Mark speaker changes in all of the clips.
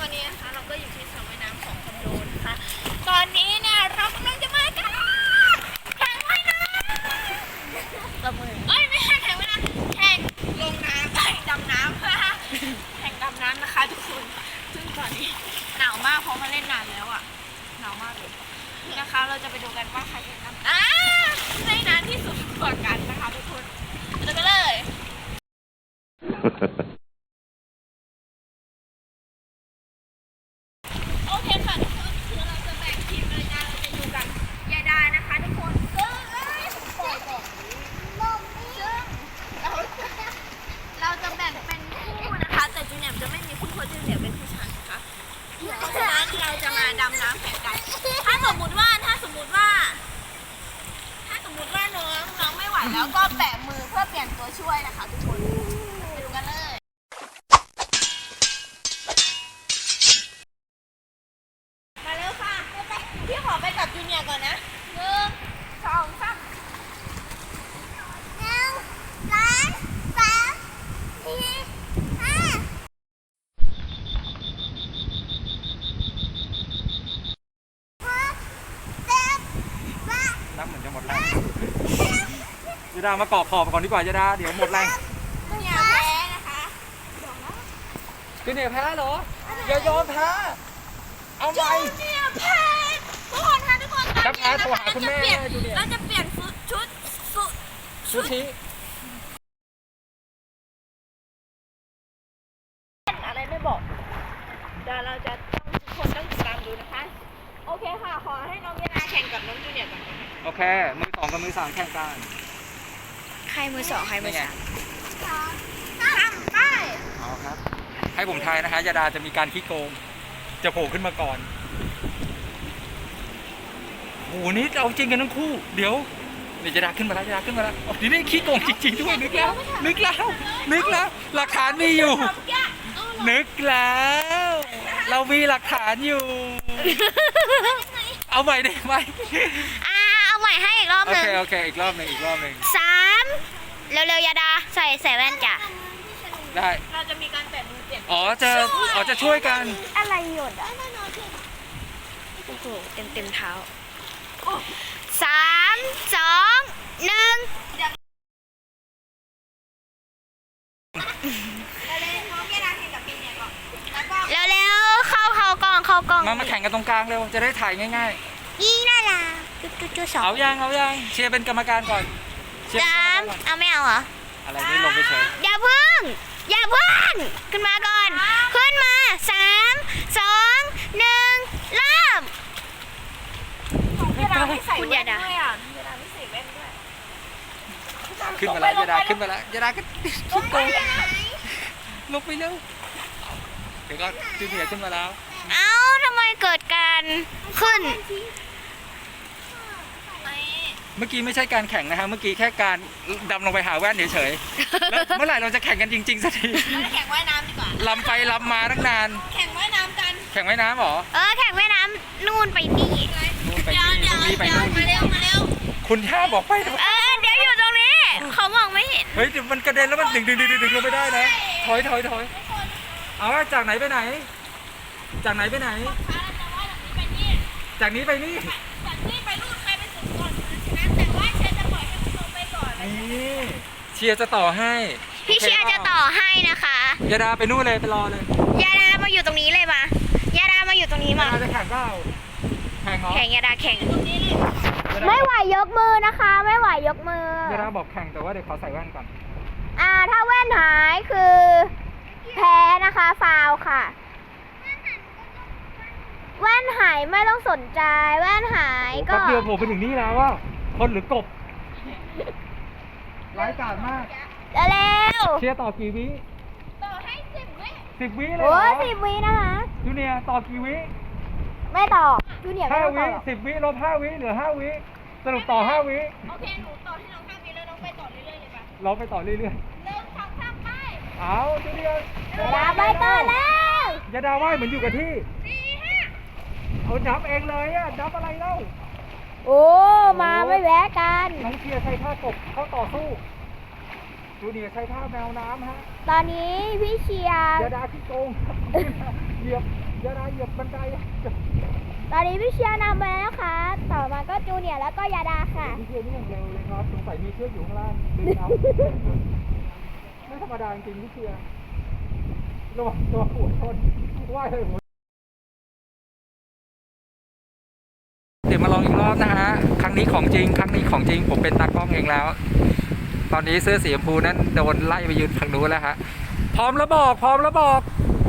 Speaker 1: วันนี้นะคะเราก็อยู่ที่สระว่ายน้ำของคอนโดนะคะตอนนี้เนี่ยเรากำลังจะมากันแข่งว่ายน้ำประมือไม่ใช่แข่งว่ายน้ำแข่งลงน้ำแข่งดำน้ำแข่งดำน้ำนะคะทุกคนซึ่งตอนนี้หนาวมากเพราะมาเล่นนานแล้วอ่ะหนาวมากเลยนะคะเราจะไปดูกันว่าใครจะดำในน้ำที่สุดกว่ากันนะคะทุกคนจะไปเลยโอเคค่ะทุกคนคือเราจะแบ่งทีมเลยนะเราจะอยู่กับยายดานะคะทุกคนซึ่งปล่อยก่อนซึ่งเราจะแบ่งเป็นคู่นะคะแต่จูเนียร์จะไม่มีคู่เพราะจูเนียร์เป็นผู้ชายนะคะเพราะฉะนั้นเราจะมาดำน้ำแข่งกันถ้าสมมุติว่าน้องไม่ไหวแล้วก็แปะมือเพื่อเปลี่ยนตัวช่วยนะคะทุกคนไปดูกันเลยมาเร็วค่ะพี่ขอไปกับจูเนียร์ก่อนนะ1 2 3
Speaker 2: น้ำเหมือนจะหมดแรงยาดามาเกาะขอบก่อนดีกว่ายาดาเดี๋ยวหมดแรง
Speaker 1: จูเนียร์แพ้นะคะ
Speaker 2: จูเนียร์แพ้เหรออย่ายอมแพ้เอาใหม่
Speaker 1: จูเนียร์แพ้ทุกคนค่ะทุกคน
Speaker 2: ถ้าแพ้โทรหาคุณแม่จูเนียร์
Speaker 1: เราจะเปลี่ยนชุด
Speaker 2: ชี้
Speaker 1: อะไรไม่บอกเดี๋ยวเราจะทุกคนต้องติดตามดูนะคะโอเคค่ะขอให้น้องยาดาแข่งกับน้องจูเนียร์ก่อน
Speaker 2: โอเคมือ2กับมือ3แข่งกัน
Speaker 1: ใครมือ2ใครมือ3ไป
Speaker 2: เอาครับให้ผมทายนะคะยาดาจะมีการขี้โกงจะโผล่ขึ้นมาก่อนโอ้โหนี่เอาจริงกันทั้งคู่เดี๋ยวยาดาขึ้นมาแล้วนี่ได้ขี้โกงจริงๆด้วยนึกแล้วหลักฐานมีอยู่นึกแล้วเรามีหลักฐานอยู่เอาใหม่ได้ไหม
Speaker 1: เอาใหม่ให้อีกรอบหนึ่ง
Speaker 2: โอเคอีกรอบหนึ่ง
Speaker 1: 3เร็วๆยาดาใส่แว่นจ้ะ
Speaker 2: ได้
Speaker 1: เราจะมีการแปะมือเปลี่ยน
Speaker 2: จะช่วยกัน
Speaker 1: อะไรหยดโอ้โหเต็มเท้า3 2 1เร็วๆเข้ากล้อง
Speaker 2: มาแข่งกันตรงกลางเร็วจะได้ถ่ายง่าย
Speaker 1: ๆนี่น่ารักจุ๊ๆ2
Speaker 2: เอายังเชียร์เป็นกรรมการก่อน
Speaker 1: เอาไม่เอาเหรอ
Speaker 2: อะไรนี่ลงไปเฉย
Speaker 1: อย่าเพิ่งขึ้นมาก่อนขึ้นมา3 2 1เริ่มคุณยาดา
Speaker 2: ขึ้นมาแล้วยาดาก็ขี้โกงลงไปเร็วเดี๋ยวก็จูเนียร์ขึ้นมาแล้ว
Speaker 1: ทำไมเกิดการขึ้น
Speaker 2: เมื่อกี้ไม่ใช่การแข่งนะคะเมื่อกี้แค่การดำลงไปหาแว่นเฉยๆแล้วเมื่อไหร่เราจะแข่งกันจริงๆสักที
Speaker 1: แข่งว่ายน้ำดีกว่า
Speaker 2: ลำไปลำมาตั้งนาน
Speaker 1: แข่งว่ายน้ำกัน
Speaker 2: แข่งว่ายน้ำหรอ
Speaker 1: แข่งว่ายน้ำนู่นไปนี่
Speaker 2: ไปนู่น
Speaker 1: มาเร็ว
Speaker 2: คุณท่าบอกไป
Speaker 1: เดี๋ยวอยู่ตรงนี้เขามองไม่เห็น
Speaker 2: เฮ้ยเดี๋ยวมันกระเด็นแล้วมันดึงลงไม่ได้นะถอยเอาจากไหนไปไหนจากนี้ไปนี่
Speaker 1: ไปนู่นใครไปสุดก่อนนะแต่ว่าเชียร์จะปล่อยให้คุณลงไปก่อน
Speaker 2: นี่เชียร์จะต่อให้
Speaker 1: พี่เชียร์จะต่อให้นะคะ
Speaker 2: ยาดาไปนู่นเลยไปรอเลย
Speaker 1: ยาดามาอยู่ตรงนี้เลยมายาดามาอยู่ตรงนี้มาย
Speaker 2: าดาจะแข่งเปล่าแข่ง
Speaker 1: ยาดาแข่งไม่ไหวยกมือนะคะไม่ไหวยกมือย
Speaker 2: าดาบอกแข่งแต่ว่าเดี๋ยวขอใส่แว่นก่อน
Speaker 1: ถ้าแว่นหายคือแพ้นะคะฟาวค่ะแว่นหายไม่ต้องสนใจแว่นหายก็
Speaker 2: เดียวผมไปถึงนี่แล้วว่าคนหรือกบร้ายกาจมาก
Speaker 1: เร็ว
Speaker 2: เชียร์ต่อกี่วิ
Speaker 1: ต่อให้
Speaker 2: 10 วิเลย
Speaker 1: โอ้10 วินะคะ
Speaker 2: จูเนียร์ต่อกี่วิ
Speaker 1: ไม่ต่อจูเนียร์ไม่ต่อ
Speaker 2: 10 วิลบ5 วิเหลือ5 วิสรุปต่อ5 วิ
Speaker 1: โอเคหนูต่อให้น้อง5 วิแล้วน้องไปต่อเรื่อยๆเลยป่ะ
Speaker 2: เราไปต่อเรื่อยๆ
Speaker 1: 1 2 3ไป
Speaker 2: เอาจูเนียร์
Speaker 1: ยาดาไปก่อนแล้ว
Speaker 2: ยาดาว่ายเหมือนอยู่กับที่เอานับเองเลยนับอะไรเล่า
Speaker 1: มาไม่แวะกัน
Speaker 2: น้องเชียร์ใช้ท่ากบเข้าต่อสู้จูเนียร์ใช้ท่าแมวน้ำฮะ
Speaker 1: ตอนนี้พี่เชียร์
Speaker 2: ยาดาขี้โกงเหยียบยาดาเหยียบบันได
Speaker 1: ตอนนี้พี่เชียร์นำไปแล้วนะคะต่อมาก็จูเนียร์แล้วก็ยาดาค่ะ
Speaker 2: พี่เชียร์นี่อย่างเร็วเลยครับสงสัยมีเชือกอยู่ข้างล่างดึงเอาไม่ธรรมดาจริงพี่เชียร์ระวังตัวหัวชนว่ายเลยหัวเดี๋ยวมาลองอีกรอบนะฮะครั้งนี้ของจริงครั้งนี้ของจริงผมเป็นตากล้องเองแล้ว ตอนนี้เสื้อสีชมพูนั้นโดนไล่ไปยืนทางนู้นแล้วฮะพร้อมแล้วบอกพร้อมแล้วบอก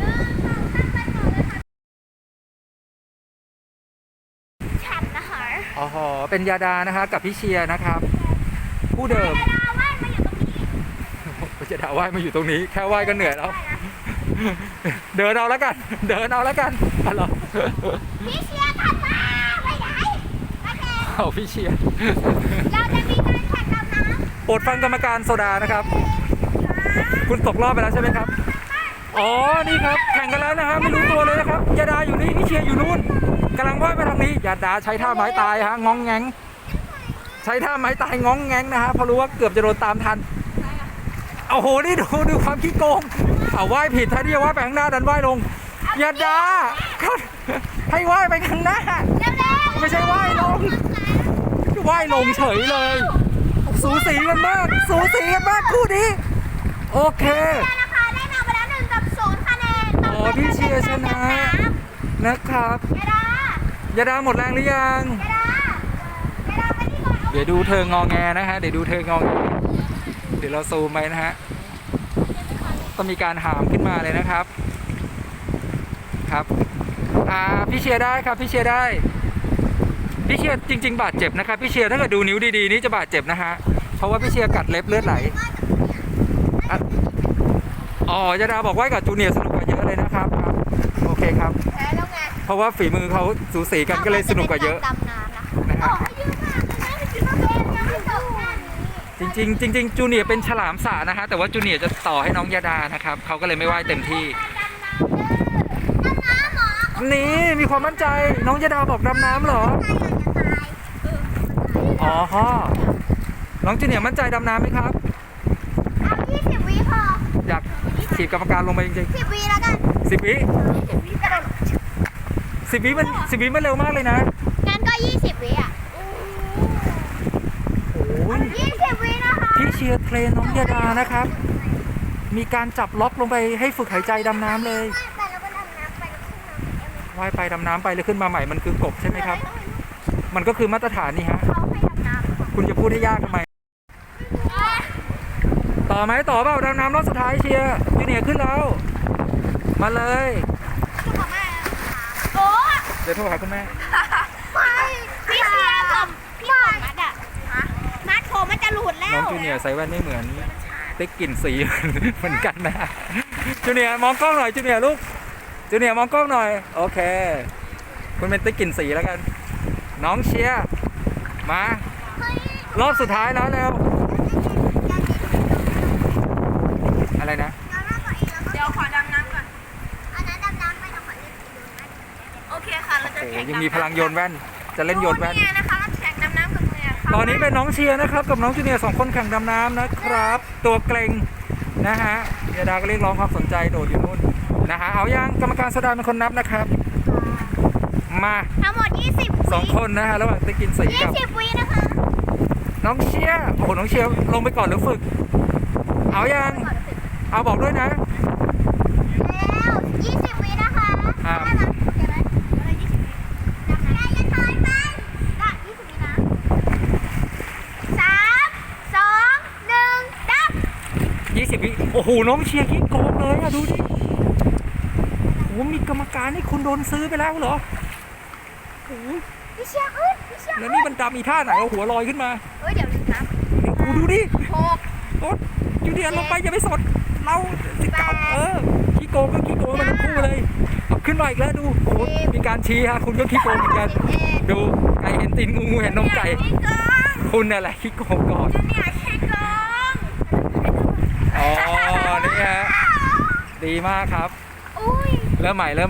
Speaker 1: ฉันนะคะ
Speaker 2: อ๋อเป็นยาดานะคะกับพี่เชียร์นะครับผู้เดิม
Speaker 1: ยาดาว่ายมาอยู่ตรงนี้
Speaker 2: ยาดาว่ายมาอยู่ตรงนี้แค่ว่ายก็เหนื่อยแล้วเดินเอาแล้วกันเดินเอาแล้วกันอะไร
Speaker 1: พี่เชียร์ถัดมาไปไหนโอเค
Speaker 2: เอาพี่เชียร์
Speaker 1: เราจะมีการแข่งดำน้ำ
Speaker 2: โปรดฟังกรรมการโซดานะครับ คุณตกรอบไปแล้วใช่ไหมครับอ๋อนี่ครับแข่งกันแล้วนะฮะไม่รู้ตัวเลยนะครับยาดาอยู่นี่พี่เชียร์อยู่นู่นกำลังว่ายไปทางนี้ยาดาใช้ท่าไม้ตายฮะงองแงงใช้ท่าไม้ตายงองแงงนะฮะเพราะรู้ว่าเกือบจะโดนตามทันโอ้โหนี่ดูความขี้โกงเอาว่ายผิดแทนที่จะว่ายไปข้างหน้าดันว่ายลงยาดาให้ว่ายไปข้างหน้าไม่ใช่ว่ายลงว่ายลงเฉยเลยสูสีกันมากสูสีกันมากคู่นี้โอเค
Speaker 1: นะคะได้นำไปแล้ว1-0คะแนน
Speaker 2: อ๋อพี่เชียร์ชนะนะครับ
Speaker 1: ยาดาย
Speaker 2: าดาหมดแรงหรือยัง
Speaker 1: ยาดายาดาไปที่ก่อน
Speaker 2: เดี๋ยวดูเธองอแงนะฮะเดี๋ยวดูเธองอแงเดี๋ยวเราซูมไปนะฮะต้องมีการหามขึ้นมาเลยนะครับครับพี่เชียร์ได้ครับพี่เชียร์ได้พี่เชียร์จริง ๆ บาดเจ็บนะครับพี่เชียร์ถ้าเกิดดูนิ้วดีๆนี่จะบาดเจ็บนะฮะเพราะว่าพี่เชียร์กัดเล็บเลือดไหลอ่ะอ๋อยาดาบอกว่ากับจูเนียร์สนุกกว่าเยอะเลยนะครับครับโอเคครับ
Speaker 1: แพ้แล้วไง
Speaker 2: เพราะว่าฝีมือเขาสูสีกันก็เลยสนุกกว่าเยอะ
Speaker 1: ดำน้ำนะคะ
Speaker 2: นะฮะ
Speaker 1: ขอให้ยืมมากเลยนะไปกินน้ำเองยังไม่จบแค่นี้
Speaker 2: จริงๆจูเนียร์เป็นฉลามสระนะฮะแต่ว่าจูเนียร์จะต่อให้น้องยาดานะครับเขาก็เลยไม่ว่ายเต็มที่
Speaker 1: ดำน้ำเหรอ
Speaker 2: นี่มีความมั่นใจน้องยาดาบอกดำน้ำเหรออ๋อฮะน้องจูเนียร์มั่นใจดำน้ำไหมครับ
Speaker 1: เอา20 วิพอ
Speaker 2: อยากถีบกรรมการลงไปจริง
Speaker 1: 10 วิแล้วกัน
Speaker 2: ๆ10 วิ
Speaker 1: 20 วิกระโดด
Speaker 2: 10 วิมันเร็วมากเลยนะ
Speaker 1: งั้นก็20 วิอ่ะ
Speaker 2: โอ้ย
Speaker 1: 20 วินะคะ
Speaker 2: พี่เชียร์เทรนน้องยาดานะครับมีการจับล็อกลงไปให้ฝึกหายใจดำน้ำเลย
Speaker 1: ไปแล้วก็ดำน้ำไปแล้วขึ้นน้ำ
Speaker 2: ว่ายไปดำน้ำไปแล้วขึ้นมาใหม่มันคือกบใช่ไหมครับ มันก็คือมาตรฐานนี่ฮะ
Speaker 1: เขาให้ดำน้ำ
Speaker 2: คุณจะพูดให้ยากทำไม ต่อไหมต่อเปล่าดำน้ำรอบสุดท้ายเชียร์จูเนียร์ขึ้นแล้ว มาเลย
Speaker 1: โอ้
Speaker 2: เดี๋ยวโทรหาคุณแม่
Speaker 1: ไม่พี่เชียร์ผมพี่ผมมัดอ่ะมัดผมมันจะหลุดแล้
Speaker 2: น้อง
Speaker 1: ว
Speaker 2: จูเนียร์ใส่แว่นไม่เหมือนติ๊กกลิ่นสี เหมือนกันนะจูเนียร์มองกล้องหน่อยจูเนียร์ลูกจูเนียร์มองกล้องหน่อยโอเค คุณเป็นติ๊กกลิ่นสีแล้วกัน น้องเชียร์มารอบสุดท้ายแล้วเร็วอะไรนะ
Speaker 1: เดี๋ยวขอดำน้ำก่อนอันนั้นดำน้ำไปเราขอเล่นโอเคค่ะเราจะ
Speaker 2: โอ้
Speaker 1: แข่ง
Speaker 2: ยังมีพลังโยนแว่นจะเล่นโยนแว่น
Speaker 1: เนี่ยนะคะเราแข่งดำน้ำกับมือค่ะ
Speaker 2: ตอนนี้เป็นน้องเชียร์นะครับกับน้องจูเนียร์2 คนแข่งดำน้ำนะครับ ตัวเกรงนะฮะยาดาก็เรียกร้องความสนใจโดดอยู่นู่นนะฮะเอายังกรรมการสดาเป็นคนนับนะครับ มา
Speaker 1: ทั้งหมด20
Speaker 2: 2 คนนะฮะระหว่างติ๊กกินสีกับ
Speaker 1: 20 วินะคะ
Speaker 2: น้องเชียร์โอ้โหน้องเชียร์ลงไปก่อนหรือฝึก เอายังเอาบอกด้วยนะ
Speaker 1: แล้ว20 วินะคะ
Speaker 2: ครับ
Speaker 1: ได้ไหมโอเคไหมอะไร20 วิดำน้ำอย่าถอยไปก็20 วินะ3 2 1ดับ
Speaker 2: 20 วิโอ้โหน้องเชียร์ขี้โกงเลยอะดูดิโอ้โหมีกรรมการให้คุณโดนซื้อไปแล้วเหรอโอ้โห
Speaker 1: พี่เชียร์ขึ้นพี่เชียร์
Speaker 2: แล้วนี่มันดำอีท่าไหนเอาหัวลอยขึ้นมา
Speaker 1: เฮ้ยเดี๋ยวลืมนะ
Speaker 2: โอ้โหดูดิ
Speaker 1: 6
Speaker 2: โอ๊ตจูเนียร์ลงไปอย่าไปสดเราสิเก่าขี้โกงก็ขี้โกงมันทั้งคู่เลยเอาขึ้นมาอีกแล้วดูโอ้โหมีการชี้ฮะคุณก็ขี้โกงเหมือนกัน ดูไก่เห็นตีนงูเห็นนมไก่
Speaker 1: พี่กอง
Speaker 2: คุณน่ะแหละขี้โกงก่อน
Speaker 1: เนี่ยพี่กอง
Speaker 2: อ๋อนี่ฮะดีมากครับ
Speaker 1: อุ้ย
Speaker 2: เริ่มใหม่
Speaker 1: มา3 2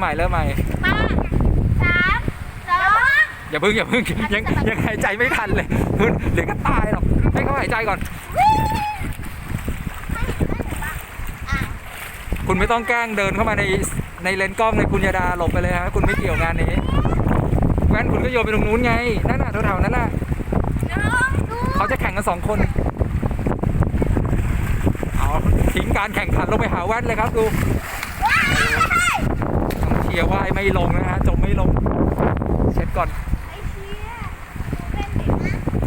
Speaker 2: อย่าเพิ่งยังหายใจไม่ทันเลยคุณเดี๋ยวก็ตายหรอกให้เขาหายใจก่อน
Speaker 1: ให้
Speaker 2: คุณไม่ต้องแกล้งเดินเข้ามาในเลนส์กล้องเลยคุณยาดาหลบไปเลยฮะคุณไม่เกี่ยวงานนี้แว่นคุณก็โยนไปตรงนู้นไงนั่นน่ะแถวๆนั้นน่ะ
Speaker 1: น้องดู
Speaker 2: เขาจะแข่งกัน2 คนเอาทิ้งการแข่งขันลงไปหาแว่นเลยครับดู
Speaker 1: ว้าย
Speaker 2: ต้องเชียร์ว่ายไม่ลงนะฮะจมไม่ลงเช็ดก่อน
Speaker 1: ไอ้เชี่ยเป็นเด็กนะ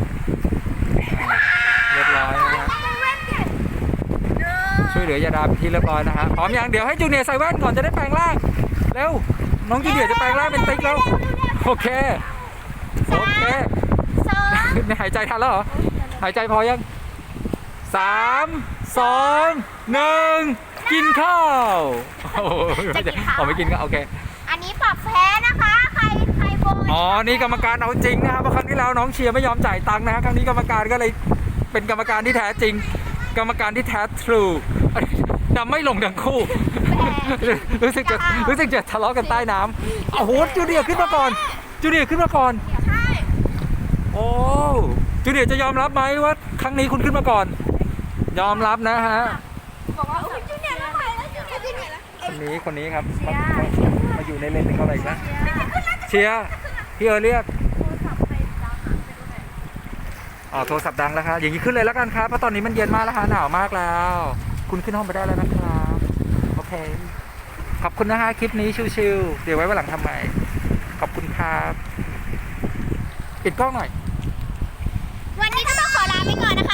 Speaker 2: เรียบร้อยนะฮะ
Speaker 1: เป็นเว้นเด็กเนอะ
Speaker 2: ช่วยเหลือยาดาเป็นที่เรียบร้อยนะฮะพร้อมยังเดี๋ยวให้จูเนียร์ใส่แว่นก่อนจะได้แปลงร่างเร็วน้องจูเนียร์จะแปลงร่างเป็นติ๊กแล้วโอเคโอเค
Speaker 1: สอง
Speaker 2: หายใจทันแล้วเหรอหายใจพอยัง3 2 1กินข้าวโอ้โหไม่กินก็โอเค
Speaker 1: อันนี้ปรับแพ้นะคะ ใครโบย
Speaker 2: อ๋อนี่กรรมการเอาจริงนะครับเพราะครั้งที่แล้วน้องเชียร์ไม่ยอมจ่ายตังค์นะฮะครั้งนี้กรรมการก็เลยเป็นกรรมการที่แท้จริง กรรมการที่แท้ทรูนำไม่ลงทั้งคู่ รู้สึกจะทะเลาะกันใต้น้ำโอ้โหจูเนียร์ขึ้นมาก่อนจูเนียร์ขึ้นมาก่อน
Speaker 1: ใช่
Speaker 2: โอ้จูเนียร์จะยอมรับไหมว่าครั้งนี้คุณขึ้นมาก่อน ยอมรับนะฮะ
Speaker 1: บอกว่าจูเนียร์แล้วใครแล้วจูเนียร์แล้ว
Speaker 2: คนนี้ครับมาอยู่ในเลนส์เขาอะไรนะเชียร์พี่เอิร์ธเรียกอ๋อโทรศัพท์ดังแล้วครับอย่างนี้ขึ้นเลยแล้วกันครับเพราะตอนนี้มันเย็นมากแล้วฮะหนาวมากแล้ว คุณขึ้นห้องไปได้แล้วนะครับโอเคขอบคุณนะฮะคลิปนี้ชิวๆเดี๋ยวไว้วันหลังทำใหม่ขอบคุณครับปิดกล้องหน่อย
Speaker 1: วันนี้ก็ต้องขอลาไปก่อนนะคะ